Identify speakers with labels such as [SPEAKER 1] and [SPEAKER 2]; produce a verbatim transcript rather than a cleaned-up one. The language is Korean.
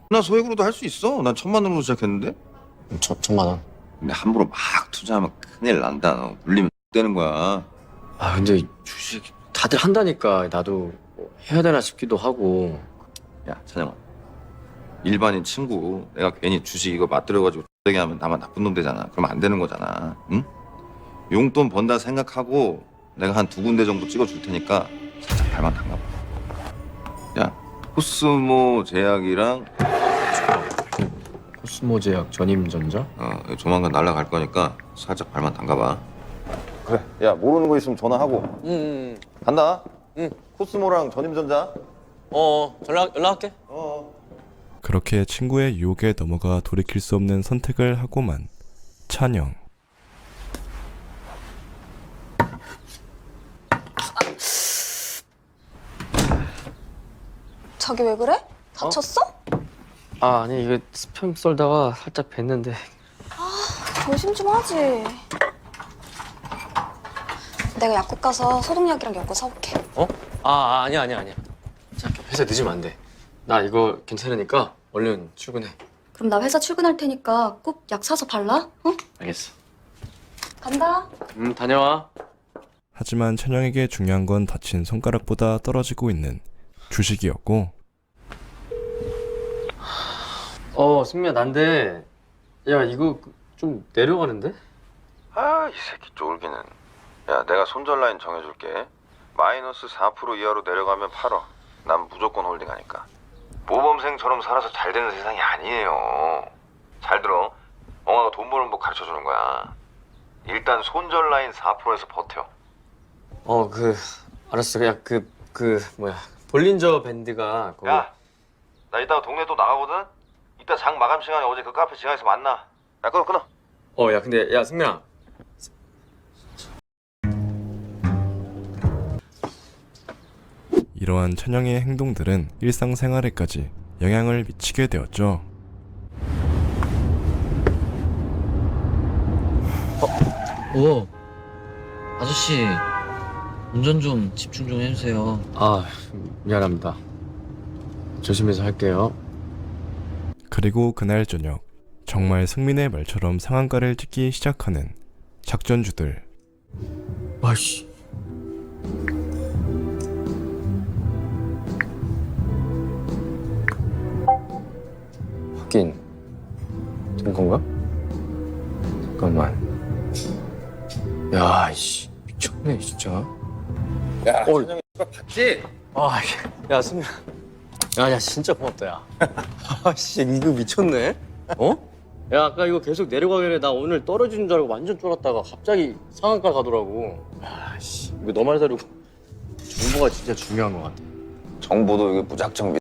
[SPEAKER 1] 나 소액으로도 할 수 있어. 난 천만 원으로 시작했는데.
[SPEAKER 2] 천, 천만 원.
[SPEAKER 1] 근데 함부로 막 투자하면 큰일 난다. 너 물리면 되는 거야.
[SPEAKER 2] 아 근데 주식 다들 한다니까 나도 뭐 해야 되나 싶기도 하고.
[SPEAKER 1] 야, 찬영아. 일반인 친구 내가 괜히 주식 이거 맞들여가지고 되게 하면 나만 나쁜 놈 되잖아. 그러면 안 되는 거잖아. 응? 용돈 번다 생각하고 내가 한 두 군데 정도 찍어줄 테니까 살짝 발만 담가봐. 야, 코스모 제약이랑
[SPEAKER 2] 코스모 제약 전임전자?
[SPEAKER 1] 어, 조만간 날라갈 거니까 살짝 발만 담가봐. 그래. 야, 모르는 거 있으면 전화하고.
[SPEAKER 3] 응, 응,
[SPEAKER 1] 간다.
[SPEAKER 3] 응.
[SPEAKER 1] 코스모랑 전임전자.
[SPEAKER 3] 어, 연락, 연락할게.
[SPEAKER 1] 어.
[SPEAKER 4] 그렇게 친구의 유혹에 넘어가 돌이킬 수 없는 선택을 하고만 찬영.
[SPEAKER 5] 자기 왜 그래? 다쳤어?
[SPEAKER 2] 아 아니 이게 스팸 썰다가 살짝 뱄는데.
[SPEAKER 5] 조심 좀 하지. 내가 약국 가서 소독약이랑 엮어 사올게.
[SPEAKER 2] 어? 아, 아 아니야 아니야 아니야. 자 회사 늦으면 안 돼. 나 이거 괜찮으니까 얼른 출근해.
[SPEAKER 5] 그럼 나 회사 출근할 테니까 꼭 약 사서 발라. 어?
[SPEAKER 2] 알겠어.
[SPEAKER 5] 간다.
[SPEAKER 2] 음 다녀와.
[SPEAKER 4] 하지만 찬영에게 중요한 건 다친 손가락보다 떨어지고 있는 주식이었고.
[SPEAKER 2] 어 승미야 난데 야 이거 좀 내려가는데?
[SPEAKER 1] 아, 이 새끼 쫄기는. 야, 내가 손절 라인 정해줄게. 마이너스 사 퍼센트 이하로 내려가면 팔어. 난 무조건 홀딩하니까. 모범생처럼 살아서 잘 되는 세상이 아니에요. 잘 들어. 엄마가 돈 버는 법 가르쳐주는 거야. 일단 손절 라인 사 퍼센트에서 버텨.
[SPEAKER 2] 어 그 알았어. 야 그 그 뭐야 볼린저 밴드가 그거...
[SPEAKER 1] 야, 나 이따가 동네 또 나가거든? 이따 장 마감 시간에 어제 그 카페 지하에서 만나. 야, 끊어, 끊어.
[SPEAKER 2] 어 야 근데 야 승미야.
[SPEAKER 4] 이러한 찬영의 행동들은 일상생활에까지 영향을 미치게 되었죠.
[SPEAKER 3] 오, 아저씨, 운전 좀 집중 좀 해주세요.
[SPEAKER 2] 아 미안합니다. 조심해서 할게요.
[SPEAKER 4] 그리고 그날 저녁 정말 승민의 말처럼 상한가를 찍기 시작하는 작전주들.
[SPEAKER 2] 아씨. 확인 된 건가? 잠깐만. 야, 이씨 미쳤네 진짜.
[SPEAKER 1] 야,
[SPEAKER 2] 어.
[SPEAKER 1] 찬영이 봤지?
[SPEAKER 2] 아, 야 승민아. 야, 야 진짜 고맙다 야. 아씨 이거 미쳤네. 어? 야 아까 이거 계속 내려가길래 나 오늘 떨어지는 줄 알고 완전 쫄았다가 갑자기 상한가 가더라고. 야, 씨 이거 너 말대로 정보가 진짜 중요한 것 같아.
[SPEAKER 1] 정보도 이게 무작정